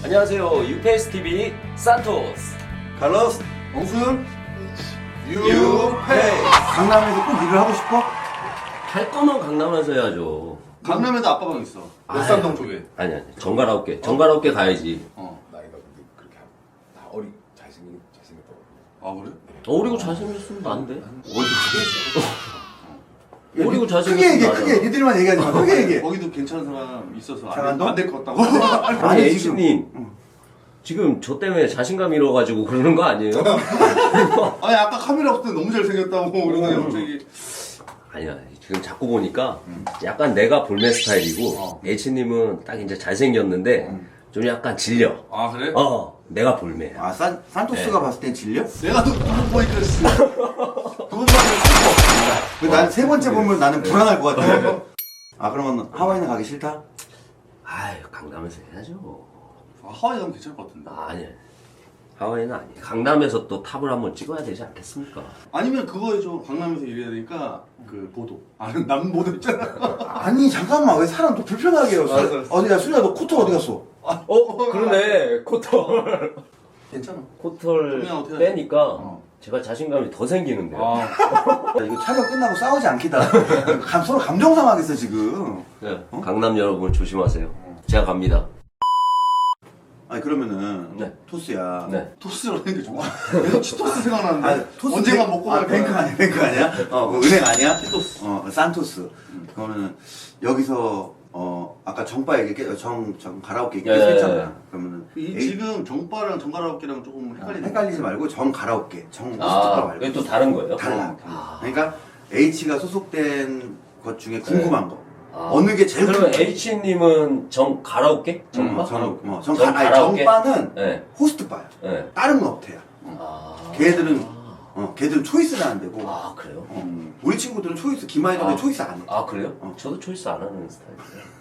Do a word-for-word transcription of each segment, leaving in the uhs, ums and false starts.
안녕하세요. 유페이스티비 산토스 칼로스, 엉순, 유페이스. 강남에서 꼭 일을 하고 싶어? 할 거면 강남에서 해야죠. 강남에도 아빠방 있어. 역삼동 쪽에. 아니 아니 정가라오케 정가라오케 가야지. 어. 나이가 근데 그렇게 하- 나 어리 잘생긴 잘생겼다고. 아 그래? 어리고 잘생겼으면 안 돼. 야, 어리고 니- 잘생겼으면 크게 얘기해, 나잖아. 크게. 니들만 얘기하지 마. 크게 얘기해. 거기도 괜찮은 사람 있어서 장안동? 안될 것 같다고. 아니 아니, H님 응. 지금 저 때문에 자신감 잃어가지고 그러는 거 아니에요? 아니 아까 카메라 없을 때 너무 잘생겼다고 그러더니 갑자기. 아니야 지금 자꾸 보니까 약간 내가 볼매 스타일이고 어. H님은 딱 이제 잘생겼는데 좀 약간 질려. 아 그래? 어 내가 볼매야. 아, 산, 산토스가 봤을 땐 질려? 내가 너 두분 보니까 두분 보니까 난 세 번째 보면 나는 불안할 것 같아. 아, 그러면 하와이는 가기 싫다? 아유 강남에서 해야죠. 아, 하와이 가면 괜찮을 것 같은데. 아니 하와이는 아니에요. 강남에서 또 탑을 한번 찍어야 되지 않겠습니까? 아니면 그거 해줘. 강남에서 일해야 되니까 그 보도. 아는 남 보도 있잖아. 아니, 잠깐만. 왜 사람 또 불편하게 해요? 알았어, 알았어. 어디야, 수리야, 너 코트 어디 갔어? 어 그러네 코털 괜찮아. 코털 그냥 어떻게 빼니까 어. 제가 자신감이 더 생기는데요. 아. 야, 이거 촬영 끝나고 싸우지 않겠다. 감- 서로 감정 상하겠어, 지금. 네, 강남 여러분 조심하세요. 제가 갑니다. 아니, 그러면은. 네. 토스야. 네. 토스를 하는데 좋아. 계속 치토스 생각나는데. 아, 토스 언젠가 뱅- 먹고 아, 갈 뱅크 거야. 아니야, 뱅크 아니야? 어, 그 은행 아니야? 산토스. 어, 산토스. 그러면은, 여기서, 어, 아까 정바 얘기, 정, 정, 가라오케 얘기 계속 예, 했잖아. 예. 그러면은. 이 에이- 지금 정바랑 정가라오케랑 조금 헷갈리는. 헷갈리지 말고 정 가라오케, 정 호스트바 아 말고. 그게 또 다른 거예요? 달라. 아. 그러니까 H가 소속된 것 중에 궁금한 거. 아. 어느 게 제일 그러면 궁금해? H님은 정 가라오케? 정바? 음, 정, 어, 정, 정 가, 아니, 가라오케? 정바는 네. 호스트바야. 네. 다른 건 업태야. 아. 걔들은, 어, 걔들은 초이스는 안 되고. 아 그래요? 어, 우리 친구들은 초이스, 김하이런데 아. 초이스 안 해. 아 그래요? 어. 저도 초이스 안 하는 스타일이에요.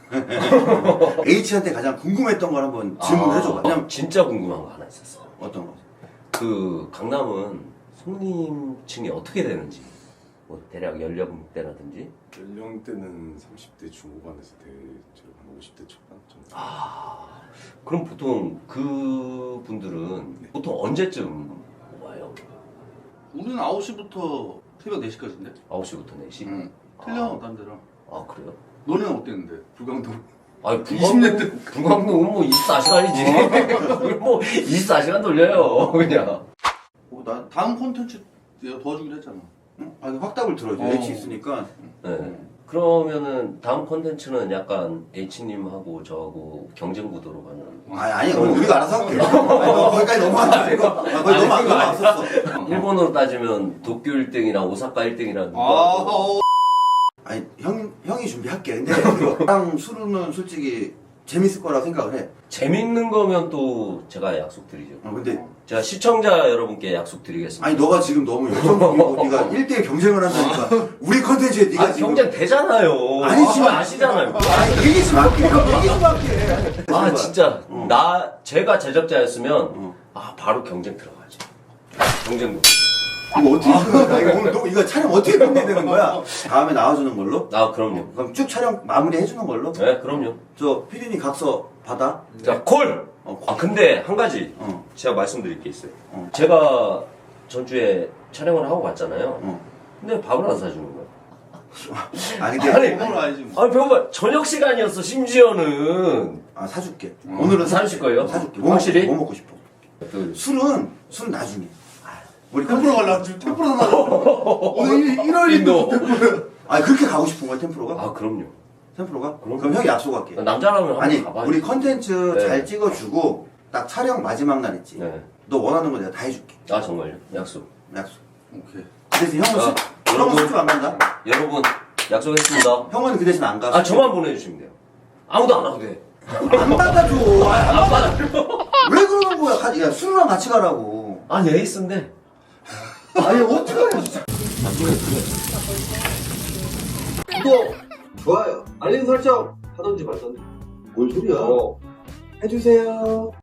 H한테 가장 궁금했던 걸 한번 질문을 아, 해줘봐. 왜냐면, 진짜 궁금한 거 하나 있었어요. 어떤 거? 그 강남은 손님층이 어떻게 되는지 뭐 대략 연령대라든지 연령대는 삼십 대 중후반에서 대체로 한 오십 대 초반 정도. 아 그럼 보통 그 분들은 보통 언제쯤 와요? 우리는 아홉 시부터 새벽 네 시까지인데? 아홉 시부터 네 시? 응. 틀려, 딴 데랑. 아 그래요? 너네는 어땠는데? 불광동. 아니 이십 년대. 불광동은 뭐 이십사 시간이지 뭐 이십사 시간 돌려요 그냥. 어, 나, 다음 콘텐츠 내가 도와주기로 했잖아. 응? 아니, 확답을 들어줘. 어. H 있으니까. 네. 그러면은 다음 콘텐츠는 약간 H님하고 저하고 경쟁 구도로 가는. 아니, 아니, 오늘 우리가 알아서 할게. 아니, 너 거기까지 넘어가지 말고. 아, 거기 넘어, 아니, 넘어왔었어. 일본어로 따지면 도쿄 일 등이랑 오사카 일 등이랑 아, 어. 아니, 형, 형이 준비할게. 근데, 나랑 술은 솔직히 재밌을 거라고 생각을 해. 재밌는 거면 또 제가 약속드리죠. 어, 근데, 제가 시청자 여러분께 약속드리겠습니다. 아니, 너가 지금 너무 열정적이고, 네가 일 대일 경쟁을 한다니까. 우리 컨텐츠에 네가 아, 지금. 경쟁 되잖아요. 아니지만- 아, 아시잖아요. 아니, 얘기 좀 할게. 얘기 좀 할게. 아, 진짜. 어. 나, 제가 제작자였으면, 어. 아, 바로 경쟁 들어가지. 경쟁. 이거 어떻게 끝내? 이거 오늘 너 이거 촬영 어떻게 끝내야 되는 거야? 다음에 나와주는 걸로? 아, 그럼요. 그럼 쭉 촬영 마무리 해주는 걸로? 네, 그럼요. 저 피디님 각서 받아? 자, 콜! 어, 아, 근데 한 가지 어, 제가 말씀드릴 게 있어요. 어. 제가 전주에 촬영을 하고 갔잖아요. 어. 근데 밥을 안 사주는 거예요. 아 근데 아니, 그걸 알지. 뭐. 아니, 배고파. 저녁 시간이었어, 심지어는. 아 사줄게. 어. 오늘은 사주실 거예요? 사줄게. 뭐, 확실히? 먹- 뭐 먹고 싶어? 그, 술은 술은 나중에. 우리 템프로 갈라. 지금 템프로 나가고. 오늘 일월 인도. 일일 아 그렇게 가고 싶은 거야 템프로가? 아, 그럼요. 템프로가? 그럼. 그럼 형이 약속할게. 남자라면 한번 아니 가봐야지. 우리 컨텐츠 네. 잘 찍어주고 딱 촬영 마지막 날 있지. 네. 너 원하는 거 내가 다 해줄게. 아, 정말요? 약속. 약속. 오케이. 그 대신 형은 아, 술, 형은 여러분. 술집 안 간다. 여러분, 약속했습니다. 형은 그 대신 안 가. 아, 저만 보내주시면 돼요. 아무도 안 와도 돼. 안 받아줘. 아, 안 안 받아. 받아요. 왜 그러는 거야? 가- 야 술이랑 같이 가라고. 아니, 에이스인데. 아니 어떡하냐 진짜. 구독, 좋아요, 알림 설정 하던지 말던지. 뭔 소리야? 어. 해주세요.